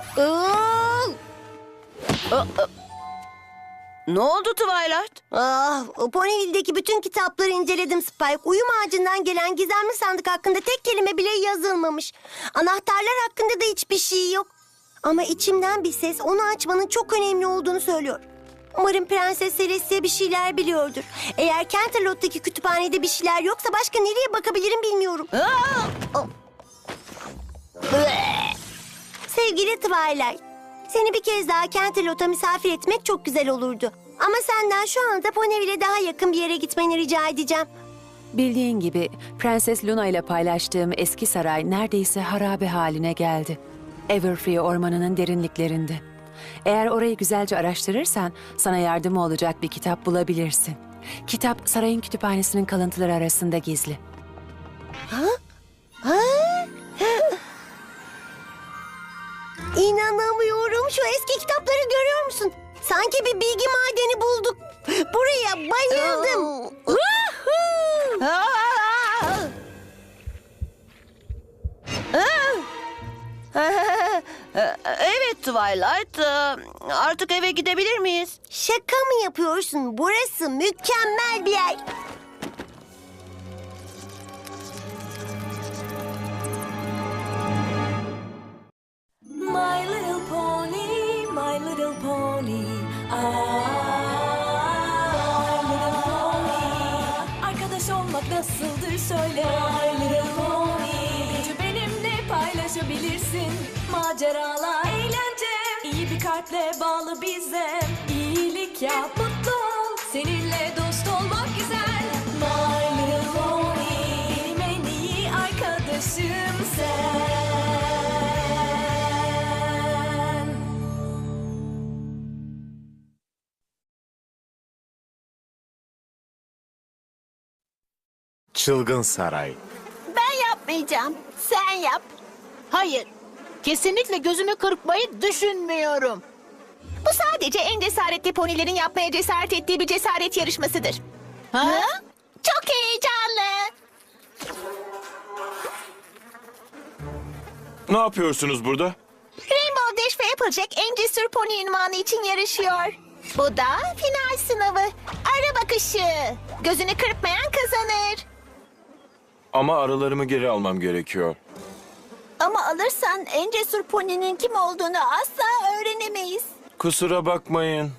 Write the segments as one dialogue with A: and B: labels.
A: Ne oldu Twilight?
B: Ponyville'deki bütün kitapları inceledim Spike. Uyum ağacından gelen gizemli sandık hakkında tek kelime bile yazılmamış. Anahtarlar hakkında da hiçbir şey yok. Ama içimden bir ses onu açmanın çok önemli olduğunu söylüyor. Umarım Prenses Celestia bir şeyler biliyordur. Eğer Canterlot'taki kütüphanede bir şeyler yoksa başka nereye bakabilirim bilmiyorum. Sevgili Twilight, seni bir kez daha Canterlot'a misafir etmek çok güzel olurdu. Ama senden şu anda Ponyville'e daha yakın bir yere gitmeni rica edeceğim.
C: Bildiğin gibi Prenses Luna ile paylaştığım eski saray neredeyse harabe haline geldi. Everfree ormanının derinliklerinde. Eğer orayı güzelce araştırırsan sana yardımı olacak bir kitap bulabilirsin. Kitap sarayın kütüphanesinin kalıntıları arasında gizli.
B: İnanamıyorum. Şu eski kitapları görüyor musun? Sanki bir bilgi madeni bulduk. Buraya bayıldım.
A: Evet Twilight, artık eve gidebilir miyiz?
B: Şaka mı yapıyorsun? Burası mükemmel bir yer.
D: My little pony, my little pony. Ah, my little pony. Arkadaş olmak nasıldır söyle. My little pony. Gücü benimle paylaşabilirsin. Maceralar, eğlence. İyi bir kalple bağlı bize. İyilik yap, mutlu ol. Seninle dost olmak güzel. My little pony. Benim en iyi arkadaşım sen.
E: Çılgın Saray.
F: Ben yapmayacağım. Sen yap. Hayır. Kesinlikle gözümü kırpmayı düşünmüyorum. Bu sadece en cesaretli ponilerin yapmaya cesaret ettiği bir cesaret yarışmasıdır. Ha? Çok heyecanlı.
E: Ne yapıyorsunuz burada?
F: Rainbow Dash ve Applejack en cesur pony ünvanı için yarışıyor. Bu da final sınavı. Ara bakışı. Gözünü kırpmayan kazanır.
E: Ama aralarımı geri almam gerekiyor.
F: Ama alırsan en cesur poninin kim olduğunu asla öğrenemeyiz.
E: Kusura bakmayın.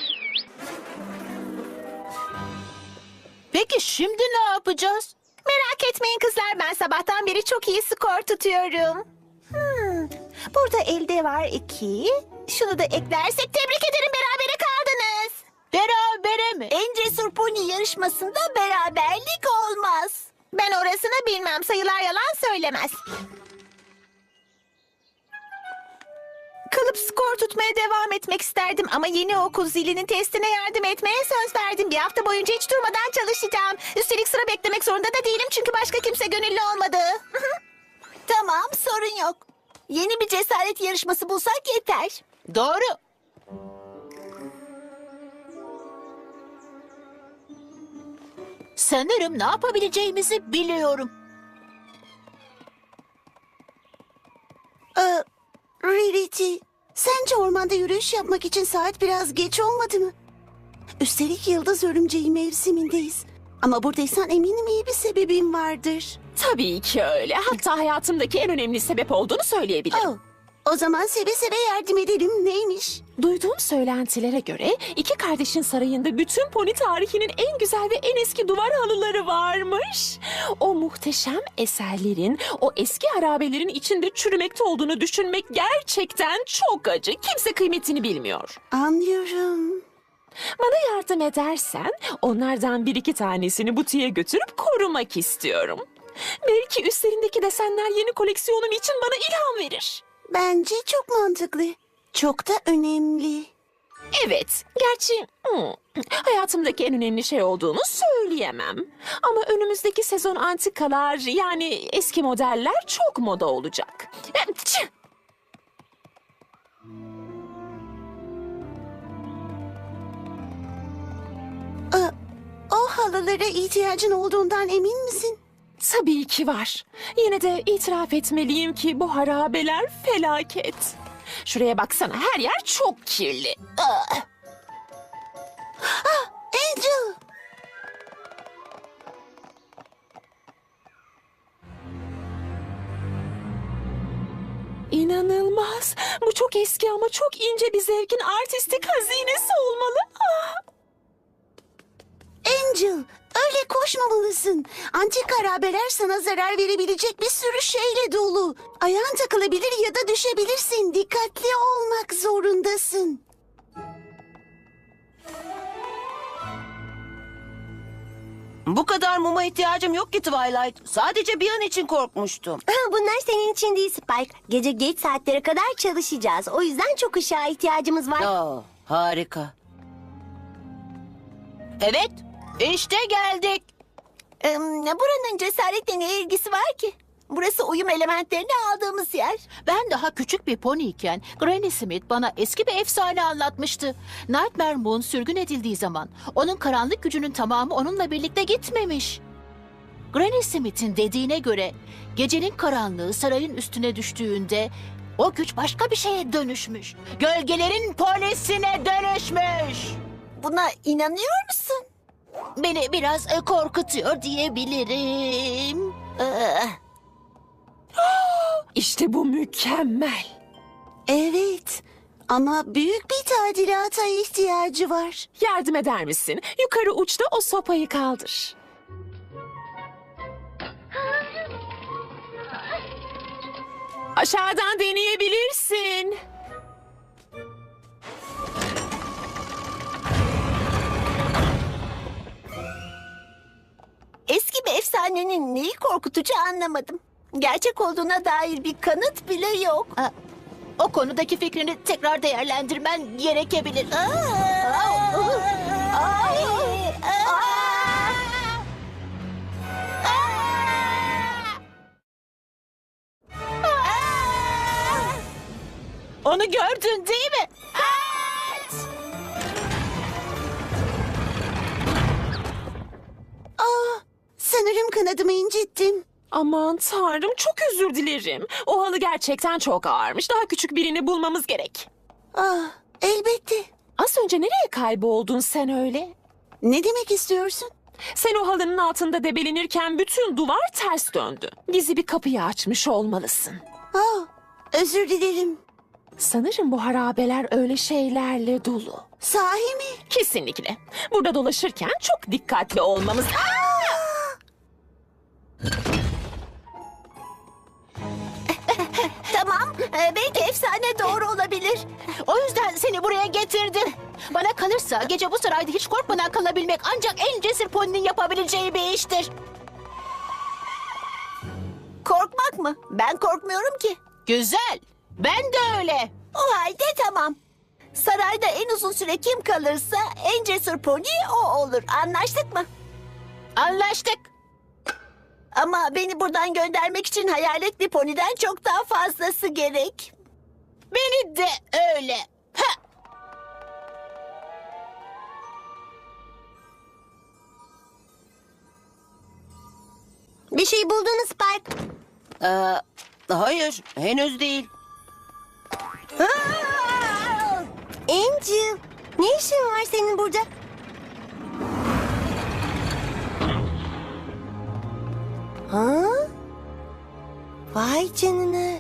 F: Peki şimdi ne yapacağız? Merak etmeyin kızlar, ben sabahtan beri çok iyi skor tutuyorum. Burada elde var 2. Şunu da eklersek tebrik ederim, berabere kaldınız. Berabere mi? En cesur pony yarışmasında beraberlik olmaz. Ben orasını bilmem, sayılar yalan söylemez. Kalıp skor tutmaya devam etmek isterdim ama yeni okul zilinin testine yardım etmeye söz verdim. Bir hafta boyunca hiç durmadan çalışacağım. Üstelik sıra beklemek zorunda da değilim çünkü başka kimse gönüllü olmadı. Tamam, sorun yok. Yeni bir cesaret yarışması bulsak yeter. Doğru. Sanırım ne yapabileceğimizi biliyorum.
B: Rarity, sence ormanda yürüyüş yapmak için saat biraz geç olmadı mı? Üstelik yıldız örümceği mevsimindeyiz. Ama buradaysan eminim iyi bir sebebin vardır.
G: Tabii ki öyle. Hatta hayatımdaki en önemli sebep olduğunu söyleyebilirim.
B: Oh, o zaman seve seve yardım edelim. Neymiş?
G: Duyduğum söylentilere göre iki kardeşin sarayında bütün pony tarihinin en güzel ve en eski duvar halıları varmış. O muhteşem eserlerin, o eski harabelerin içinde çürümekte olduğunu düşünmek gerçekten çok acı. Kimse kıymetini bilmiyor.
B: Anlıyorum.
G: Bana yardım edersen onlardan bir iki tanesini butiğe götürüp korumak istiyorum. Belki üstlerindeki desenler yeni koleksiyonum için bana ilham verir.
B: Bence çok mantıklı. Çok da önemli.
G: Evet, gerçi hayatımdaki en önemli şey olduğunu söyleyemem. Ama önümüzdeki sezon antikalar yani eski modeller çok moda olacak.
B: O halılara ihtiyacın olduğundan emin misin?
G: Tabii ki var. Yine de itiraf etmeliyim ki bu harabeler felaket. Şuraya baksana, her yer çok kirli.
B: Angel!
G: İnanılmaz. Bu çok eski ama çok ince bir zevkin artistik hazinesi olmalı. Ah!
B: Angel, öyle koşmamalısın. Antik harabeler sana zarar verebilecek bir sürü şeyle dolu. Ayağın takılabilir ya da düşebilirsin. Dikkatli olmak zorundasın.
A: Bu kadar muma ihtiyacım yok ki Twilight. Sadece bir an için korkmuştum.
B: Bunlar senin için değil Spike. Gece geç saatlere kadar çalışacağız. O yüzden çok ışığa ihtiyacımız var.
A: Aa, harika. Evet, işte geldik.
B: Buranın cesaretle ne ilgisi var ki? Burası uyum elementlerini aldığımız yer.
H: Ben daha küçük bir poniyken Granny Smith bana eski bir efsane anlatmıştı. Nightmare Moon sürgün edildiği zaman onun karanlık gücünün tamamı onunla birlikte gitmemiş. Granny Smith'in dediğine göre gecenin karanlığı sarayın üstüne düştüğünde o güç başka bir şeye dönüşmüş. Gölgelerin polisine dönüşmüş.
B: Buna inanıyor musun?
H: Beni biraz korkutuyor diyebilirim.
G: İşte bu mükemmel.
B: Evet. Ama büyük bir tadilata ihtiyacı var.
G: Yardım eder misin? Yukarı uçta o sopayı kaldır. Aşağıdan deneyebilirsin.
B: Eski bir efsanenin neyi korkutucu anlamadım. Gerçek olduğuna dair bir kanıt bile yok.
H: O konudaki fikrini tekrar değerlendirmen gerekebilir. Onu gördün değil mi?
B: Sanırım kanadımı incittim.
G: Aman tanrım, çok özür dilerim. O halı gerçekten çok ağırmış. Daha küçük birini bulmamız gerek.
B: Elbette.
G: Az önce nereye kayboldun sen öyle?
B: Ne demek istiyorsun?
G: Sen o halının altında debelenirken bütün duvar ters döndü. Gizli bir kapıyı açmış olmalısın.
B: Özür dilerim.
G: Sanırım bu harabeler öyle şeylerle dolu.
B: Sahi mi?
G: Kesinlikle. Burada dolaşırken çok dikkatli olmamız...
B: Tamam. Belki efsane doğru olabilir.
H: O yüzden seni buraya getirdim. Bana kalırsa gece bu sarayda hiç korkmadan kalabilmek ancak en cesur poninin yapabileceği bir iştir.
B: Korkmak mı? Ben korkmuyorum ki.
H: Güzel. Ben de öyle.
B: O halde tamam. Sarayda en uzun süre kim kalırsa en cesur pony o olur. Anlaştık mı?
H: Anlaştık.
B: Ama beni buradan göndermek için hayaletli poniden çok daha fazlası gerek.
H: Beni de öyle. Ha.
B: Bir şey buldun mu Spike?
A: Hayır, henüz değil.
B: Angel, ne işin var senin burada? Vay canına.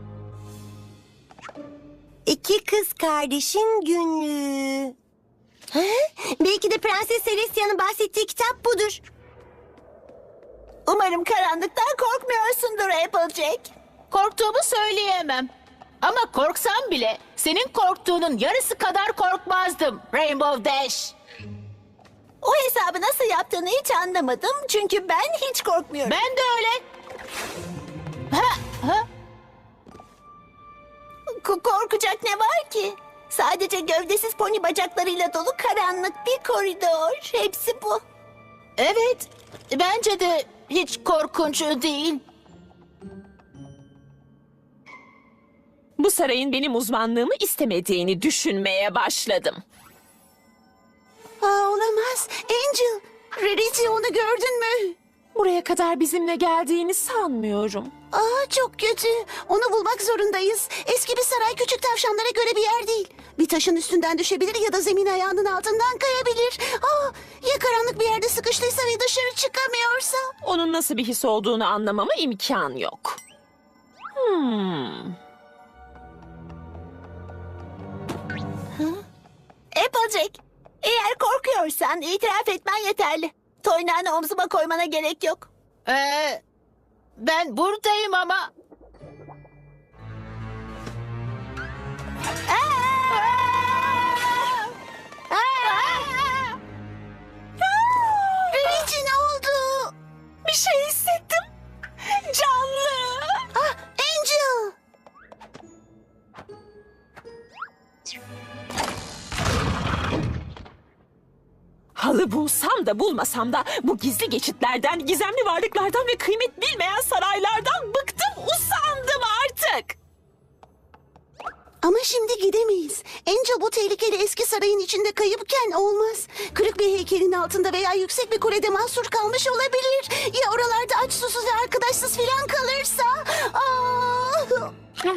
B: İki kız kardeşin günlüğü. Belki de Prenses Celestia'nın bahsettiği kitap budur. Umarım karanlıktan korkmuyorsundur Applejack.
H: Korktuğumu söyleyemem. Ama korksam bile senin korktuğunun yarısı kadar korkmazdım Rainbow Dash.
B: O hesabı nasıl yaptığını hiç anlamadım. Çünkü ben hiç korkmuyorum.
H: Ben de öyle. Ha?
B: Korkacak ne var ki? Sadece gövdesiz pony bacaklarıyla dolu karanlık bir koridor. Hepsi bu.
H: Evet, bence de hiç korkunç değil.
G: Bu sarayın benim uzmanlığımı istemediğini düşünmeye başladım.
B: Olamaz. Angel, Rarity onu gördün mü?
G: Buraya kadar bizimle geldiğini sanmıyorum.
I: Aa, çok kötü. Onu bulmak zorundayız. Eski bir saray küçük tavşanlara göre bir yer değil. Bir taşın üstünden düşebilir ya da zemin ayağının altından kayabilir. Aa, ya karanlık bir yerde sıkıştıysa ve dışarı çıkamıyorsa?
G: Onun nasıl bir his olduğunu anlamama imkan yok.
F: Applejack, eğer korkuyorsan itiraf etmen yeterli. Toynağını omzuma koymana gerek yok.
H: Ben buradayım ama...
F: Rarity, ne oldu?
G: Bir şey hissettim. Canlı.
F: Angel!
G: Halı bulsam da bulmasam da bu gizli geçitlerden, gizemli varlıklardan ve kıymet bilmeyen saraylardan bıktım, usandım artık.
I: Ama şimdi gidemeyiz. Angel bu tehlikeli eski sarayın içinde kayıpken olmaz. Kırık bir heykelin altında veya yüksek bir kulede mahsur kalmış olabilir. Ya oralarda aç susuz ve arkadaşsız filan kalırsa? Aa!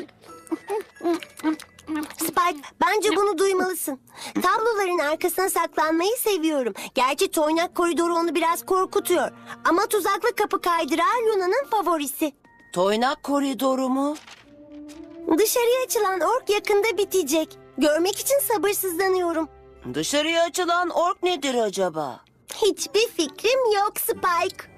B: Spike, bence bunu duymalısın. Tabloların arkasına saklanmayı seviyorum. Gerçi toynak koridoru onu biraz korkutuyor. Ama tuzaklı kapı kaydırağı Luna'nın favorisi.
A: Toynak koridoru mu?
B: Dışarıya açılan ork yakında bitecek. Görmek için sabırsızlanıyorum.
A: Dışarıya açılan ork nedir acaba?
B: Hiçbir fikrim yok Spike.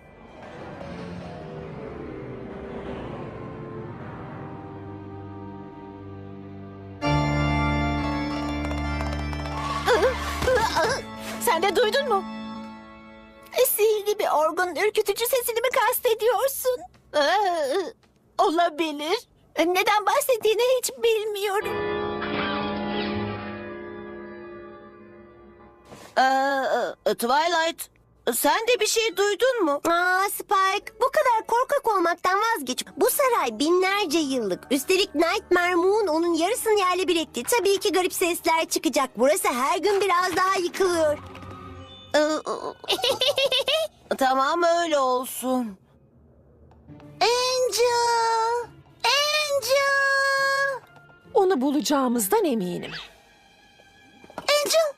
F: Sen de duydun mu? Sihirli bir orgun ürkütücü sesini mi kastediyorsun? Olabilir. Neden bahsettiğini hiç bilmiyorum.
A: Twilight, sen de bir şey duydun mu?
B: Spike, bu kadar korkak olmaktan vazgeç. Bu saray binlerce yıllık. Üstelik Nightmare Moon onun yarısını yerle bir etti. Tabii ki garip sesler çıkacak. Burası her gün biraz daha yıkılıyor.
A: Tamam, öyle olsun.
I: Angel! Angel!
G: Onu bulacağımızdan eminim.
I: Angel!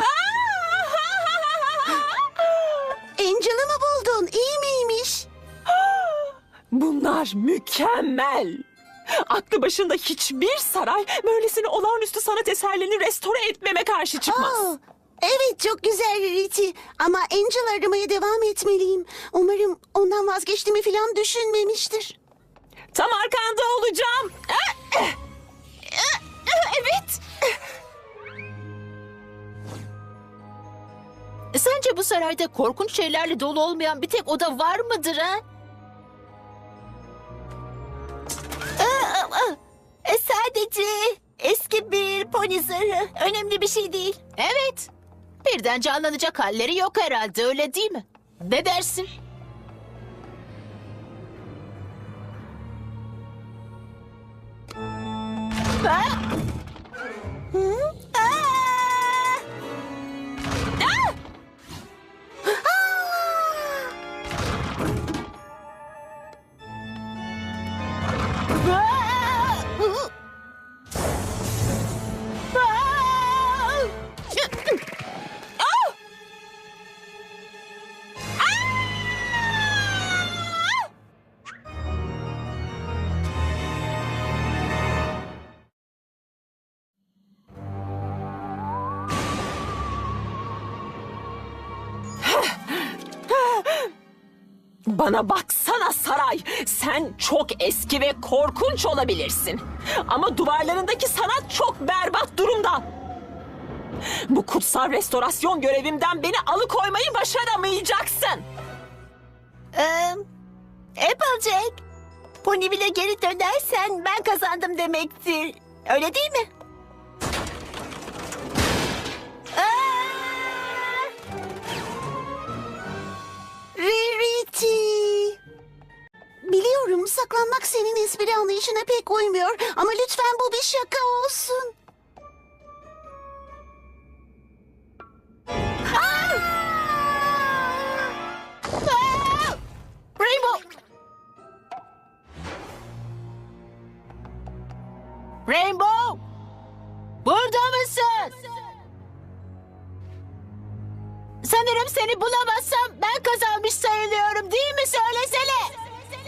I: Angel'ı mı buldun? İyi miymiş?
G: Bunlar mükemmel. Aklı başında hiçbir saray böylesine olağanüstü sanat eserlerini restore etmeme karşı çıkmaz.
I: Evet, çok güzel Rarity. Ama Angel aramaya devam etmeliyim. Umarım ondan vazgeçtiğimi falan düşünmemiştir.
G: Tam arkanda olacağım. Evet.
H: Sence bu sarayda korkunç şeylerle dolu olmayan bir tek oda var mıdır ha?
F: Sadece eski bir pony zırhı. Önemli bir şey değil.
H: Evet. Birden canlanacak halleri yok herhalde, öyle değil mi? Ne dersin?
G: Bana baksana saray. Sen çok eski ve korkunç olabilirsin. Ama duvarlarındaki sanat çok berbat durumda. Bu kutsal restorasyon görevimden beni alıkoymayı başaramayacaksın.
F: Applejack, Ponyville'e geri dönersen ben kazandım demektir. Öyle değil mi?
I: Rarity! Biliyorum, saklanmak senin espri anlayışına pek uymuyor. Ama lütfen bu bir şaka olsun.
H: Rainbow! Burada mısın? Sanırım seni bulamazsam ben kazanmış sayılıyorum değil mi? Söylesene.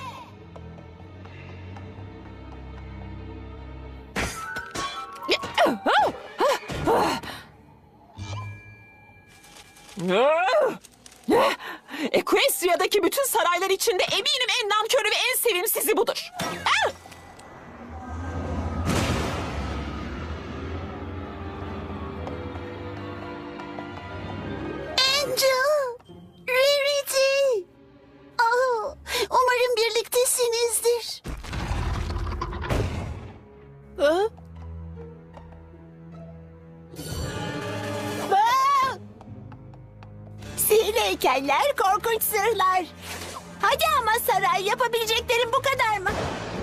G: Equestria'daki bütün saraylar içinde eminim en namkörü ve en sevimsizi budur.
I: Angel! Rarity! Oh, umarım birliktesinizdir.
H: Hı?
F: Sihirli heykeller, korkunç sırlar. Hadi ama saray, yapabileceklerin bu kadar mı?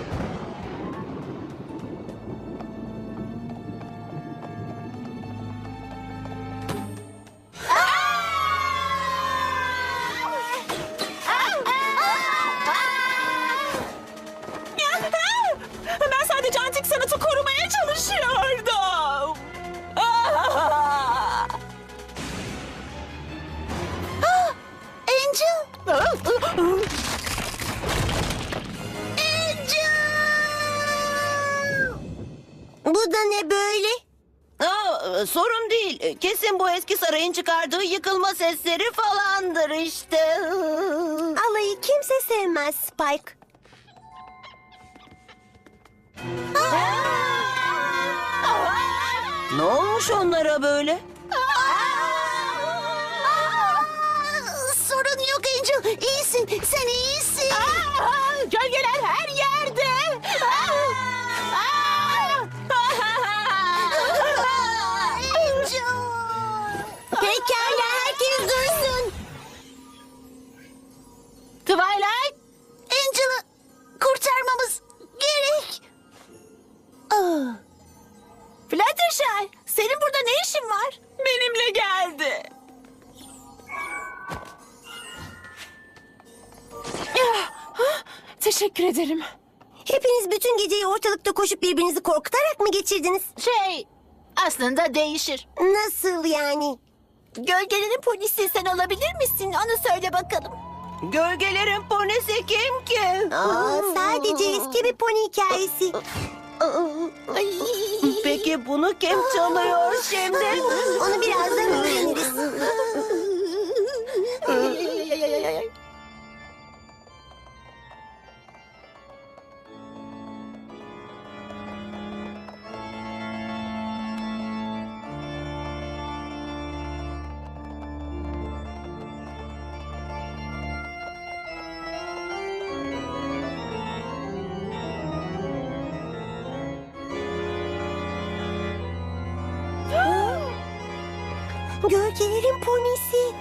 G: Ben sadece antik sanatı korumaya çalışıyordum.
I: Angel!
B: Bu da ne böyle?
A: Sorun değil. Kesin bu eski sarayın çıkardığı yıkılma sesleri falandır işte.
B: Alayı kimse sevmez Spike.
A: Ne olmuş onlara böyle?
I: Sorun yok Angel. İyisin. Sen iyisin.
H: Gölgeler her yerde.
I: Angel!
B: Pekala, herkes dursun.
H: Twilight,
I: Angel'ı kurtarmamız gerek.
F: Fluttershy, senin burada ne işin var?
G: Benimle geldi. Teşekkür ederim.
B: Hepiniz bütün geceyi ortalıkta koşup birbirinizi korkutarak mı geçirdiniz?
H: aslında değişir.
B: Nasıl yani?
F: Gölgelerin polisi sen olabilir misin? Onu söyle bakalım.
A: Gölgelerin ponisi kim ki?
B: Sadece eski bir pony hikayesi.
A: Peki bunu kim çalıyor şimdi?
B: Onu birazdan öğreniriz. Gölgelerin ponisi.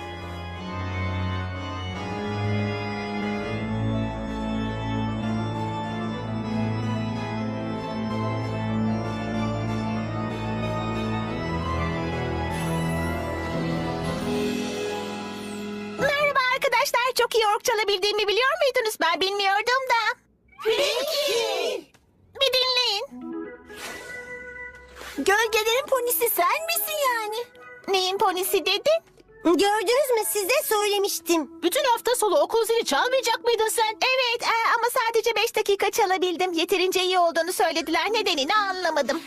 F: Merhaba arkadaşlar, çok iyi ork çalabildiğimi biliyor muydunuz? Ben bilmiyordum da. Peki. Bir dinleyin. Gölgelerin ponisi sen misin yani? Neyin ponisi dedin?
B: Gördünüz mü, size söylemiştim.
H: Bütün hafta sonu okul zili çalmayacak mıydın sen?
F: Evet ama sadece 5 dakika çalabildim. Yeterince iyi olduğunu söylediler. Nedenini anlamadım.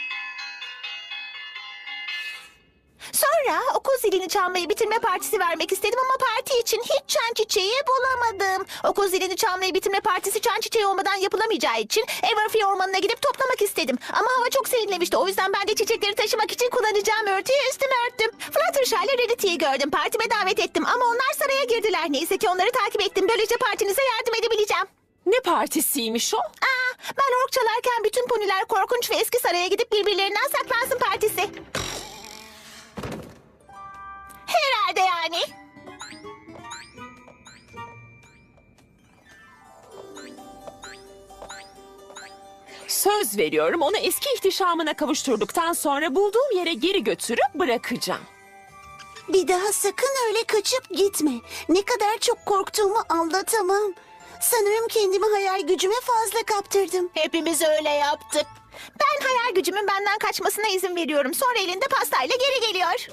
F: Sonra okul zilini çalmayı bitirme partisi vermek istedim ama parti için hiç çan çiçeği bulamadım. Okul zilini çalmayı bitirme partisi çan çiçeği olmadan yapılamayacağı için Everfree ormanına gidip toplamak istedim. Ama hava çok serinlemişti. O yüzden ben de çiçekleri taşımak için kullanacağım örtüyü üstüme örttüm. Fluttershy ile Rarity'yi gördüm. Partime davet ettim ama onlar saraya girdiler. Neyse ki onları takip ettim. Böylece partinize yardım edebileceğim.
G: Ne partisiymiş o?
F: Ben ork çalarken bütün poniler korkunç ve eski saraya gidip birbirlerinden saklansın partisi. Herhalde yani.
G: Söz veriyorum, onu eski ihtişamına kavuşturduktan sonra bulduğum yere geri götürüp bırakacağım.
I: Bir daha sakın öyle kaçıp gitme. Ne kadar çok korktuğumu anlatamam. Sanırım kendimi hayal gücüme fazla kaptırdım.
H: Hepimiz öyle yaptık.
F: Ben hayal gücümün benden kaçmasına izin veriyorum. Sonra elinde pastayla geri geliyor.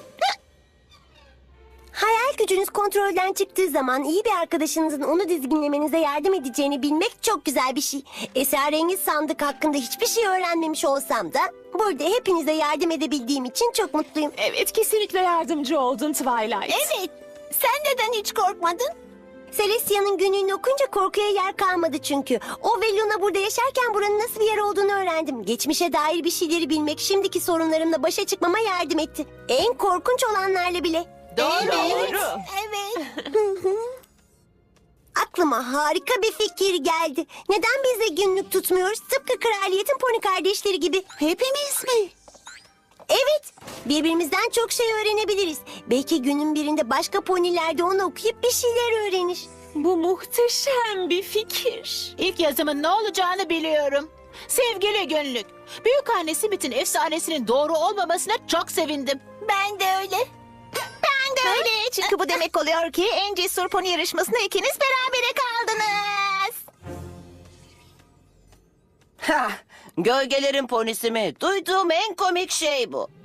B: Hayal gücünüz kontrolden çıktığı zaman iyi bir arkadaşınızın onu dizginlemenize yardım edeceğini bilmek çok güzel bir şey. Esrarengiz sandık hakkında hiçbir şey öğrenmemiş olsam da burada hepinize yardım edebildiğim için çok mutluyum.
G: Evet, kesinlikle yardımcı oldun Twilight.
B: Evet. Sen neden hiç korkmadın? Celestia'nın günlüğünü okunca korkuya yer kalmadı çünkü. O ve Luna burada yaşarken buranın nasıl bir yer olduğunu öğrendim. Geçmişe dair bir şeyleri bilmek şimdiki sorunlarımla başa çıkmama yardım etti. En korkunç olanlarla bile.
H: Doğru.
B: Evet. Aklıma harika bir fikir geldi. Neden biz de günlük tutmuyoruz? Tıpkı kraliyetin pony kardeşleri gibi.
I: Hepimiz mi?
B: Evet, birbirimizden çok şey öğrenebiliriz. Belki günün birinde başka poniler de onu okuyup bir şeyler öğrenir.
G: Bu muhteşem bir fikir.
H: İlk yazımın ne olacağını biliyorum. Sevgili günlük, Büyükanne Smith'in efsanesinin doğru olmamasına çok sevindim.
F: Ben de öyle. Ben de öyle. Çünkü bu demek oluyor ki en cesur pony yarışmasında ikiniz berabere kaldınız.
A: Hah, gölgelerin ponisi mi? Duyduğum en komik şey bu.